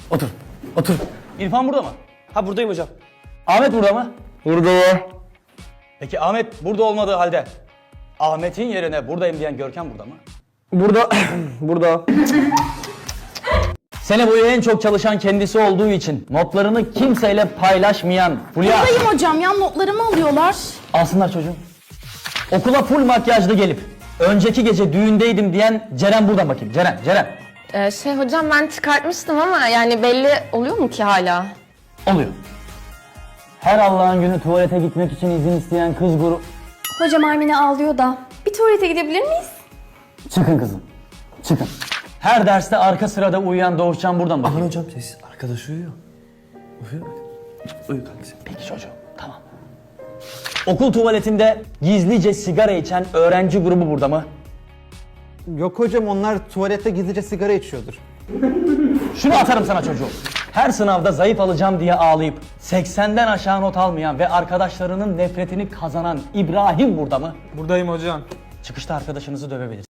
Otur. Otur. İrfan burada mı? Ha buradayım hocam. Ahmet burada mı? Burada. Peki Ahmet burada olmadığı halde Ahmet'in yerine buradayım diyen Görkem burada mı? Burada. Burada. Sene boyu en çok çalışan kendisi olduğu için notlarını kimseyle paylaşmayan Fulya. Buradayım hocam ya, notlarımı alıyorlar. Alsınlar çocuğum. Okula full makyajlı gelip önceki gece düğündeydim diyen Ceren burada bakayım. Ceren. Hocam ben çıkartmıştım ama yani belli oluyor mu ki hala? Oluyor. Her Allah'ın günü tuvalete gitmek için izin isteyen kız grubu... Hocam Armine ağlıyor da. Bir tuvalete gidebilir miyiz? Çıkın kızım. Çıkın. Her derste arka sırada uyuyan Doğuşcan buradan bakayım. Aman hocam sessiz. Arkadaş uyuyor. Uyuyor. Uyu kanka sen. Peki çocuğum, tamam. Okul tuvaletinde gizlice sigara içen öğrenci grubu burada mı? Yok hocam, onlar tuvalette gizlice sigara içiyordur. Şunu atarım sana çocuğum. Her sınavda zayıf alacağım diye ağlayıp 80'den aşağı not almayan ve arkadaşlarının nefretini kazanan İbrahim burada mı? Buradayım hocam. Çıkışta arkadaşınızı dövebilirsiniz.